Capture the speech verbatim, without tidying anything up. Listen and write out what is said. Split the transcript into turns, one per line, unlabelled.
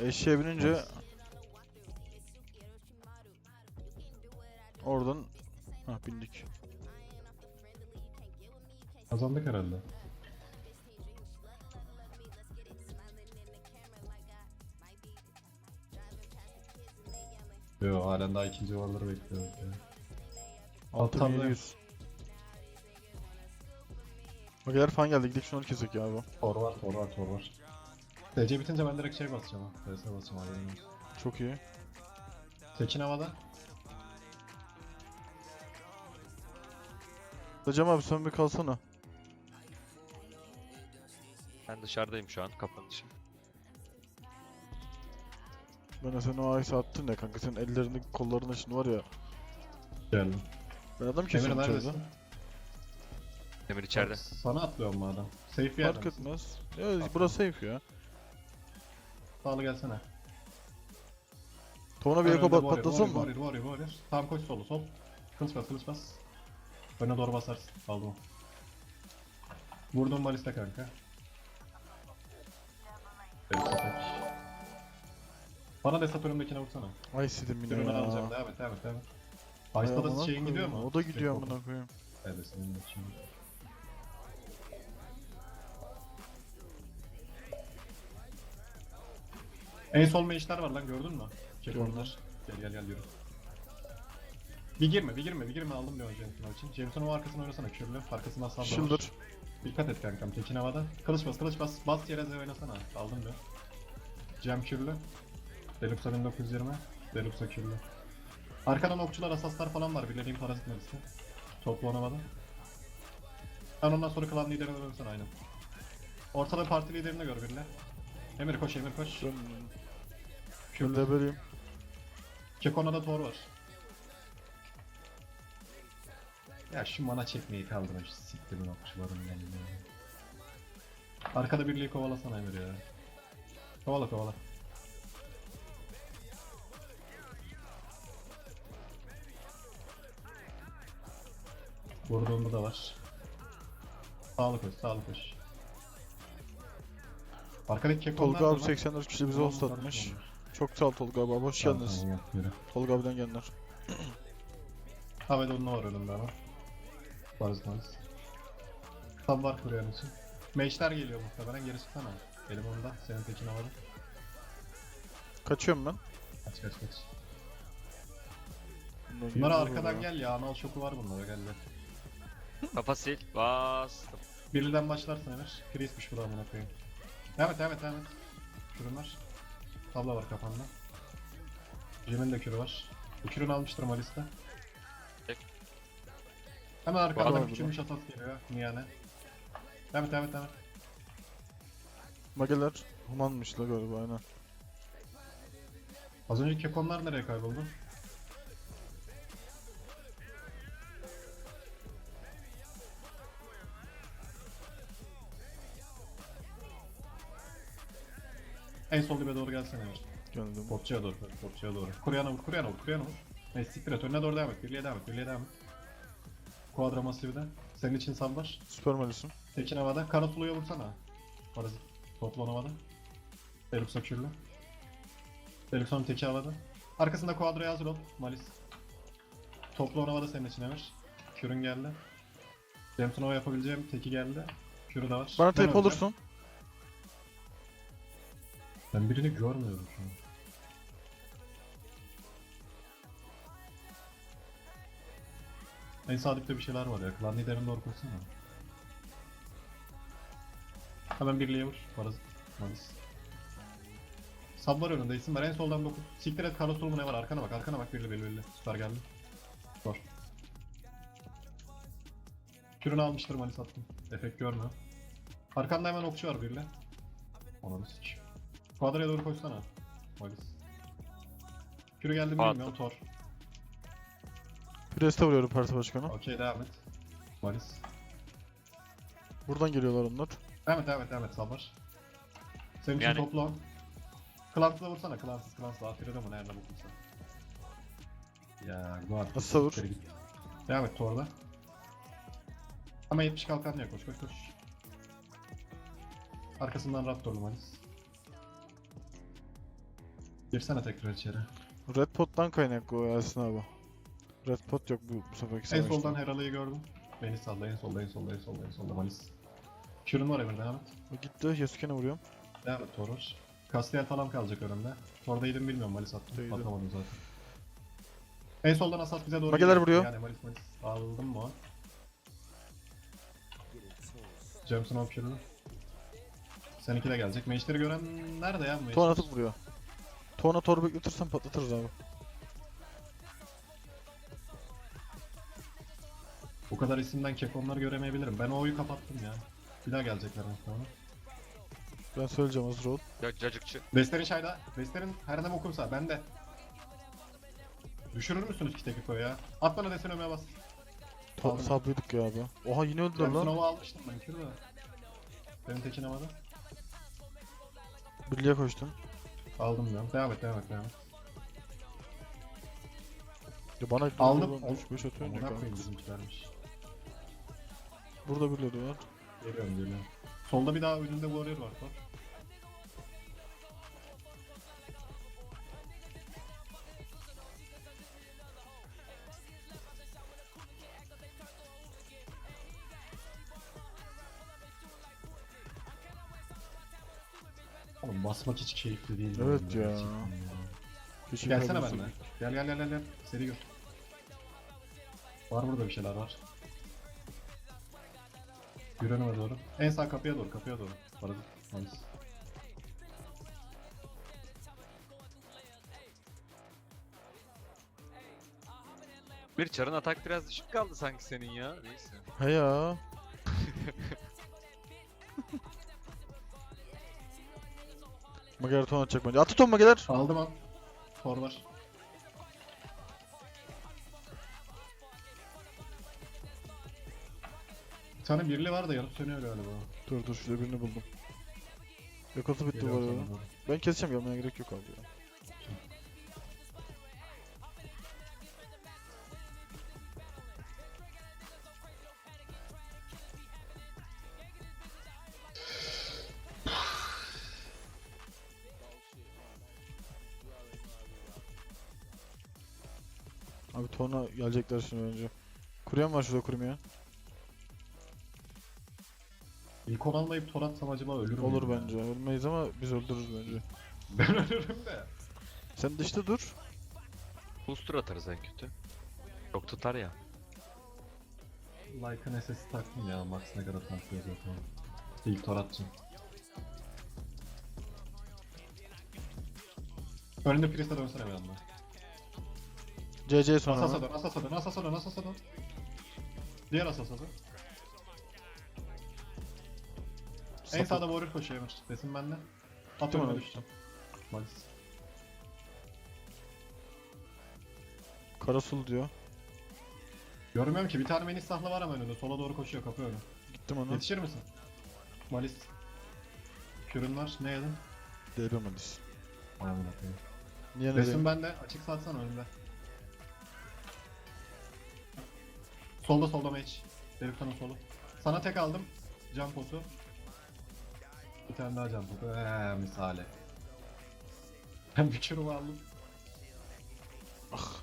Eşeğe binince
Nice.
oradan ha bindik.
Kazandık herhalde. Yo, halen daha ikinci varları bekliyoruz ya.
altı bin yedi yüz. Mageler falan geldi, gidelim şunu kesek ya bu.
Tor var, tor var, tor var. D C bitince ben direkt şey basacağım ha. D S basacağım haberin olsun.
Çok iyi.
Tekin havada.
Hocam abi sen bir kalsana.
Ben dışarıdayım şu an, kapının dışı.
Ben de sen o ice attın ya kanka, senin ellerini kollarını şimdi var ya.
Geldim.
Ben adam
Emir
kesiyorum içeride.
neredesin?
Demir içeride.
Sana atlıyorum bu adam. Safe bir yerde
Fark
misin?
etmez. Ya burası safe ya.
Sağlı gelsene.
Tona bir eko bat patlasın mı?
Warrior, warrior, warrior. Tam koş solu, sol. Kılıç bas, kılıç bas. Öne doğru basarsın. Aldım o. Vurdum maliste kanka. Evet, tek. Bana desat önümdekine vursana.
Ay sidim yine
Ürünü
ya.
alacağım. Devam et, devam et, devam et.
Ay
Ice'da da
amına
şeyin gidiyor
koyayım,
mu?
O da gidiyor
Step
amına koyayım.
Evet, senin için. En sol meşler var lan, gördün mü? Çek
Gördüm.
onlar. Gel gel gel yürü. Bir girme, bir girme, bir girme, aldım bir önce Jameson için. Jameson'un o arkasına oynasana, kürlü. Arkasından sağ
Shielder.
Dikkat et kankam, tekin havada. Kılıç bas, kılıç bas. Bas yere Z oynasana. Aldım bir. Cem kürlü. Deluxa bin dokuz yüz yirmi. Deluxa kürlü. Arkadan okçular, asaslar falan var. Bilediğim parazit medisi. Toplu oynamadı. Ben ondan sonra klan liderine dönsene aynen. Ortada parti liderini gör birine. Emir koş, Emir koş.
Ben
Kürlü.
leveliyim.
Kekona'da Thor var. Ya şu mana çekmeyi kaldırın, şu siktirin okçuların yanına. Arkada birliği kovalasana Emir ya. Kovala kovala. Vurduğunda da var. Sağlık koş, sağlık koş. Arkadaki kekonlar
Tolga
da
abi
var.
seksen dört kişi bize
Tamam,
host atmış.
karışma.
Çok sağ ol Tolga abi, hoş
Tamam,
geldiniz.
tamam, yürü.
Tolga abiden gelenler.
Havada onunla var önümde ama. Varız varız. Tam var kuruyan için. Meşler geliyor muhtemelen, geri çıksana. Elim onda, senin tekin havada.
Kaçıyorum ben.
Kaç kaç kaç.
Bundan
Bunlara
yürüyorum
arkadan
ya.
gel ya, anal şoku var bunlara, gel gel.
Kafa sil. Bastım.
Birliden başlarsın Emir. Chris'miş bu da amına koyayım. Evet evet evet. Kürün var. Tabla var kafanda. Jim'in de kürü var. Bu kürünü almıştır Malis'te.
Tek.
Hemen
Var
arkadan
mı
küçülmüş atas geliyor. Niyane. Evet evet evet.
Mageler humanmış la galiba, aynen.
Az önceki kekonlar nereye kayboldu? En sol dibe doğru gelsene Emir.
Geldim.
Portçuya doğru, portçuya doğru. Kuryana vur, kuryana vur, kuryana vur. Neyse siktir et, önüne doğru devam et, birliğe devam et, birliğe devam et. Quadra Massive'de. Senin için sal var.
Süper malisim.
Tekin havada, Karatulu'ya vursana. Parazit. Toplan havada. Deluxe kürlü. Deluxe'un teki havada. Arkasında Quadra'ya hazır ol. Malis. Toplan havada senin için Emir. Kürün geldi. Jameson yapabileceğim teki geldi. Kürü de var.
Bana
Ben
tape
öleceğim.
olursun.
Ben birini görmüyorum şu an. En sağ dipte bir şeyler var ya. Klan liderini doğru koysana. Hemen birliğe vur. Parazit. Malis. Sab var önünde, isim var. En soldan dokuz. Siktir et, Carlos mu ne var? Arkana bak, arkana bak. Birli belli belli. Süper geldi. Zor. Kürünü almıştır, Malis attım. Efekt görmüyor. Arkanda hemen okçu var birli. Ona bir sıç. Quadra'ya doğru koşsana. Malis. Kürü geldi mi
Attım.
bilmiyorum. Thor.
Preste vuruyorum parti başkanı.
Okey, devam et. Malis.
Buradan geliyorlar onlar.
Devam et, devam et, devam et. Sabır. Senin için
Yani-
topla. Clans'la vursana. Clans'ız, Clans'la. Afir'e de mi? Nerede buldun Ya, guard.
Nasıl vur?
Siktir git. Devam et Thor'da. Ama yetmiş kalkan diye koş koş koş. Arkasından Raptor'lu Malis. Girsene tekrar içeri.
Red Pot'tan kaynaklı o Yasin abi. Red Pot yok bu, bu seferki
En
savaşta.
soldan Heral'ı gördüm. Beni salla en solda en solda en solda en solda Malis. Kürün var Emir devam et.
O gitti. Yasuke'ne vuruyorum.
Devam et Toros. Castiel falan kalacak önümde. Orada yedim bilmiyorum Malis attım.
Değdim.
Atamadım zaten. En soldan Asas bize doğru
Mageler
geliyor.
vuruyor.
Yani Malis Malis. Aldım mı o? Jameson Option'u. Seninki de gelecek. Mage'leri gören nerede ya bu Mage?
Ton atıp vuruyor. Tona tor bekletirsen patlatırız abi.
Bu kadar isimden kekonları göremeyebilirim. Ben o oyu kapattım ya. Bir daha gelecekler muhtemelen.
Ben söyleyeceğim hazır ol.
Ya cacıkçı.
Vestlerin şayda. Vestlerin her ne okursa bende. Düşürür müsünüz ki Tekiko'yu ya? At bana desen ömeye bas.
To
Aldım.
sabrıydık ya abi. Oha yine öldüler lan.
Jameson'u almıştım ben kür de. Benim tekin havada.
Birliğe koştum.
Aldım diyorum. Devam et devam et devam et.
Ya bana
Aldım.
üç beş atıyor ne
Amına koyayım
kanka.
bizimkilermiş.
Burada birileri var.
Geliyorum geliyorum. Solda bir daha önünde warrior var bak. Oğlum basmak hiç keyifli değil. bu
Evet
oyunda
ya.
gerçekten ya.
Keşke
Gelsene
kaybetsek.
benimle. Gel gel gel gel gel. Seri gör. Var burada bir şeyler var. Yürü önüme doğru. En sağ kapıya doğru kapıya doğru. Paradı. Nice.
Bir çarın atak biraz düşük kaldı sanki senin ya. Neyse.
He ya. Mageler ton atacak bence. Atı ton Mageler.
Aldım al. Tor var. Bir tane birli var da yanıp sönüyor galiba.
Dur dur şurada birini buldum. Yakası bitti bu
Geliyorum
arada.
sana doğru.
Ben keseceğim gelmeye gerek yok abi ya. Abi tona gelecekler şimdi önce. Kuruyan var şurada kurmaya.
İlk on almayıp tor atsam acaba ölür müyüm
Olur
ya?
bence. Ölmeyiz ama biz öldürürüz bence.
Ben ölürüm de.
Sen dışta dur.
Booster atarız en kötü. Çok tutar ya.
Like'ın S S'i taktım ya. Max ne kadar tankıyor zaten. İlk tor atacağım. Önünde Priest'e dönsene bir anda.
C C sonra.
Asas'a dön, Asas'a dön, Asas'a dön, Asas'a dön. Diğer Asas'a dön. En
Sapık.
sağda Warrior koşuyor Emir. Desin bende. At
Gittim
önüme
ona.
düşeceğim. Malis.
Karasul diyor.
Görmüyorum ki bir tane Menis sahla var ama önünde. Sola doğru koşuyor kapı önü.
Gittim ona.
Yetişir misin? Malis. Kürün var. Ne yedin?
D B Malis.
Ayağımın atayım.
Niye ne
Resim
diyeyim?
bende. Açık satsana önümde. Solda solda mage. Deriftan'ın solu. Sana tek aldım. Can potu. Bir tane daha can potu. Eee misale. Ben bir kürümü aldım.
Ah.